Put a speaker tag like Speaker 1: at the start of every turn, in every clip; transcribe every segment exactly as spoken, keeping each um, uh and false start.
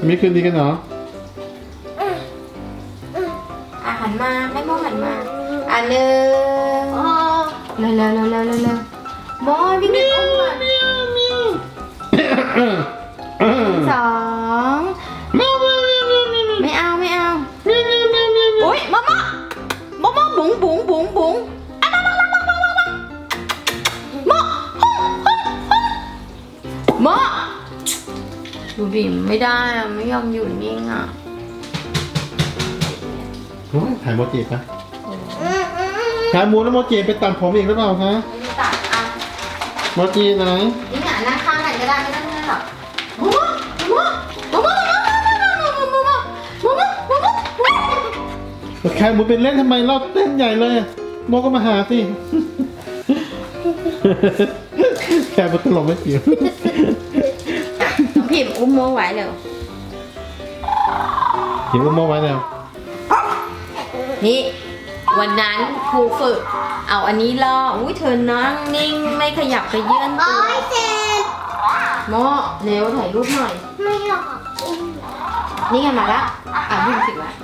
Speaker 1: ไม่คืนดีกันเหรอ
Speaker 2: อ่ะหันมาแม่โมหันมาอ่ะหนึ่งเร็วเร็วเร็วเร็วเร็วเร็วโมวิ่งไปอุ้มก่อนสองไม่เอาไม่เอาโอ๊ยมะมะมะมะบุ๋งบุ๋งบุ๋งบุ๋งอ่ะมะมะมะมะมะมะมะมะมะดูดิไม่ได้อะไม่ยอมอยู่นิ่งอ่ะ
Speaker 1: โอ้ยถ่ายโมจิปะถ่ายมูแล้วโมจิไปตัดผมอีกหรือเปล่าคะ
Speaker 2: ไม่ตัดอ่ะ
Speaker 1: โมจิไหน
Speaker 2: นี่หงายนั่งข้างกันก็ได้ไม่ต้องนั่งหรอกมะมะมะมะมะมะมะมะมะมะมะมะมะ
Speaker 1: แค่มูเป็นเล่นทำไมเราเต้นใหญ่เลยโมก็มาหาสิแค่มูตลกไม่เกี่ยว
Speaker 2: น้องพิมอุ้มโมไว้เร็ว
Speaker 1: หิวโมไว้แล้ว
Speaker 2: นี่วันนั้นครูฝึกเอาอันนี้ล่ออุ้ยเธอนั่งนิ่งไม่ขยับไปเยื่อนตัว
Speaker 3: เจ็บ
Speaker 2: โมเร็วถ่ายรูปหน่อย
Speaker 3: ไม่หรอก
Speaker 2: นี่ไงมาละอ่ะพิมสิละ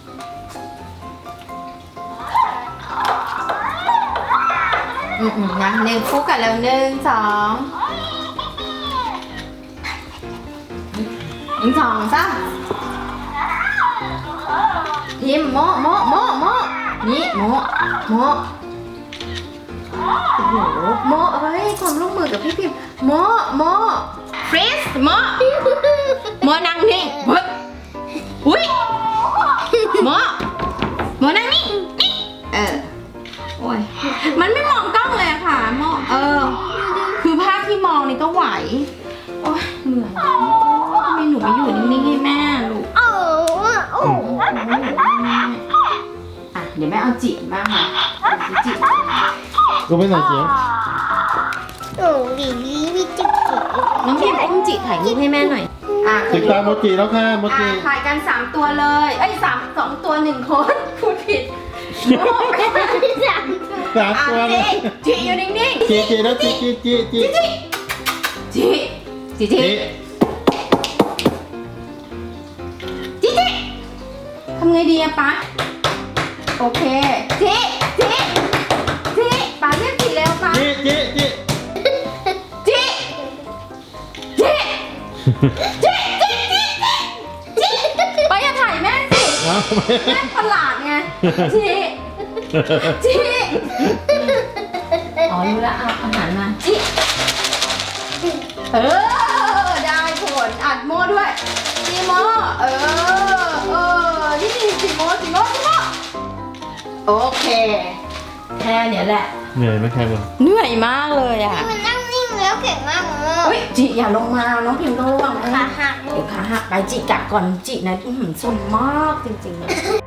Speaker 2: อืมๆนะหนึ่งคู่กันแล้วหนึ่งสองหนึ่งสองสามพิมโมโมโมโมนี่โมโมโอ้โหโมเฮ้ยความร่วมมือกับพี่พิมโมโมฟรีสโมโมนั่งนิ่งเฮ้ยอุ้ยโมโมนั่งนิ่งนี่เออโอ้ยมันไม่มองกล้องเลยอะค่ะโมเออคือภาพที่มองนี่ก็ไหวโอ้ยเหนื่อยทำไมหนูไม่อยู่นิ่งๆให้แม่ลูก
Speaker 3: โอ้โอ้
Speaker 2: อ่ะเดี๋ยวแม่เอาจิบ้างค่ะจิ
Speaker 1: ก็ไม่ไหนเจียว
Speaker 3: โอ้ดีดีวิจิตร
Speaker 2: น้องพิมอุ้มจิถ่ายรูปให้แม่หน่อยอ่ะ
Speaker 1: ติดตามโมจิแล้วค่ะโมจิ
Speaker 2: อ่ะถ่ายกันสามตัวเลยเอ้ยสามสองตัวหนึ่งคนพูดผิดโอ้ไป
Speaker 3: สาม
Speaker 1: สาม
Speaker 2: อ่ะ
Speaker 1: ตัวเล
Speaker 2: จิ
Speaker 1: ย
Speaker 2: จิอยู่นิ่งๆ
Speaker 1: จีจีแล้วจีจีจีจี
Speaker 2: จิจิจิจิ
Speaker 1: จี
Speaker 2: จิจิทำไงดีอะป๊าโอเคจิจิจิป๊าเรียกจิเร็วป๊า
Speaker 1: จีจีจี
Speaker 2: จิจิจิจิจิจิป๊าอย่าถ่ายแม่สิ
Speaker 1: เอา
Speaker 2: แม่ประหลาดไงจิจิอ๋อรู้แล้วเอาอาหารมาจิเออได้ผลอัดโม่ด้วยจิโม่เออเออนี่จิโม่จิโม่จิโม่โอเคแค่เนี้ยแหละ
Speaker 1: เหนื่อยไหมใครบ้าง
Speaker 2: เหนื่อยมากเลยอ่ะ
Speaker 3: มันนั่งนิ่งแล้วเก่งมากเลย
Speaker 2: อุ้ยจิอย่าลงมาน้องพิมพ์ต้องระวัง
Speaker 3: ขา
Speaker 2: นะ
Speaker 3: หัก
Speaker 2: เดี๋ยวขาหักไปจิกัดก่อนจินะอื้อหือสนมากจริงๆเลย